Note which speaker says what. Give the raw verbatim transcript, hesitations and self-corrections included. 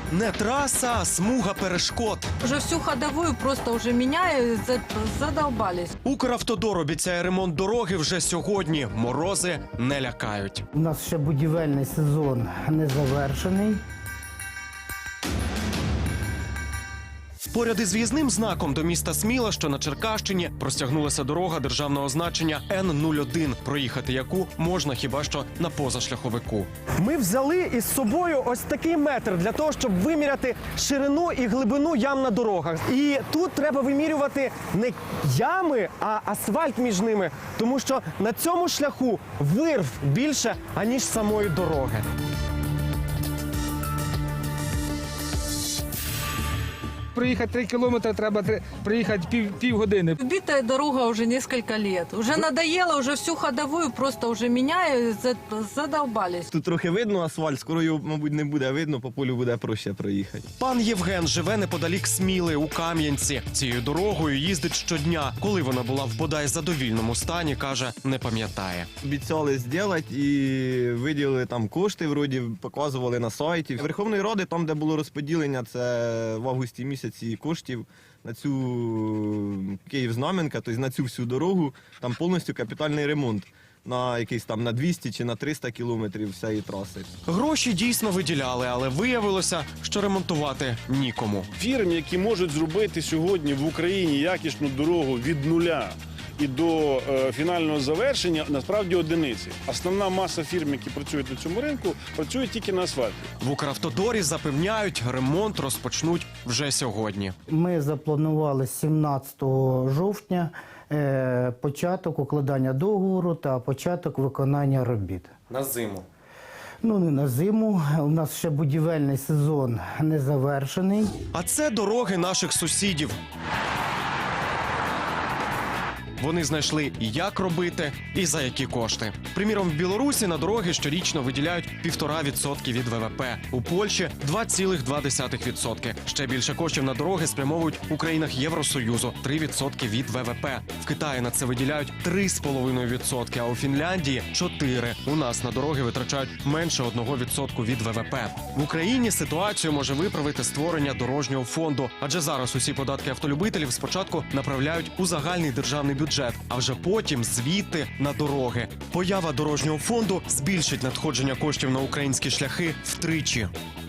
Speaker 1: Не траса, а смуга перешкод.
Speaker 2: Уже всю ходовую просто уже меняю, за- задолбались.
Speaker 1: Укравтодор обіцяє ремонт дороги вже сьогодні. Морози не лякають.
Speaker 3: У нас ще будівельний сезон не завершений.
Speaker 1: Поряд із в'їзним знаком до міста Сміла, що на Черкащині, простягнулася дорога державного значення Н нуль один, проїхати яку можна хіба що на позашляховику. Ми взяли із собою ось такий метр для того, щоб виміряти ширину і глибину ям на дорогах. І тут треба вимірювати не ями, а асфальт між ними, тому що на цьому шляху вирв більше, аніж самої дороги.
Speaker 4: Проїхати три кілометри, треба три- проїхати пів, півгодини.
Speaker 2: Убитая дорога уже несколько лет. Уже надоело, уже всю ходовую просто уже меняю, за- задолбались.
Speaker 5: Тут трохи видно асфальт, скоро його, мабуть, не буде видно, по полю буде проще проїхати.
Speaker 1: Пан Євген живе неподалік Сміли, у Кам'янці. Цією дорогою їздить щодня. Коли вона була в бодай задовільному стані, каже, не пам'ятає.
Speaker 5: Обіцяли зробити і виділили там кошти, вроді показували на сайті. Верховної Ради, там, де було розподілення, це в августі місяці коштів на цю Київ-Знам'янка, тобто на цю всю дорогу, там повністю капітальний ремонт. На якийсь там на двісті чи на триста кілометрів всієї траси.
Speaker 1: Гроші дійсно виділяли, але виявилося, що ремонтувати нікому.
Speaker 6: Фірм, які можуть зробити сьогодні в Україні якісну дорогу від нуля і до е, фінального завершення, насправді одиниці. Основна маса фірм, які працюють на цьому ринку, працюють тільки на асфальті.
Speaker 1: В Укравтодорі запевняють, ремонт розпочнуть вже сьогодні.
Speaker 3: Ми запланували сімнадцятого жовтня е, початок укладання договору та початок виконання робіт.
Speaker 1: На зиму.
Speaker 3: Ну, не на зиму. У нас ще будівельний сезон не завершений.
Speaker 1: А це дороги наших сусідів. Вони знайшли, як робити і за які кошти. Приміром, в Білорусі на дороги щорічно виділяють півтора відсотки від ВВП. У Польщі – два цілих два десятих відсотки. Ще більше коштів на дороги спрямовують у країнах Євросоюзу – три відсотки від ВВП. В Китаї на це виділяють три з половиною відсотки, а у Фінляндії – чотири. У нас на дороги витрачають менше одного відсотку від ВВП. В Україні ситуацію може виправити створення дорожнього фонду. Адже зараз усі податки автолюбителів спочатку направляють у загальний державний бюджет. бюджет, а вже потім звідти на дороги. Поява дорожнього фонду збільшить надходження коштів на українські шляхи втричі.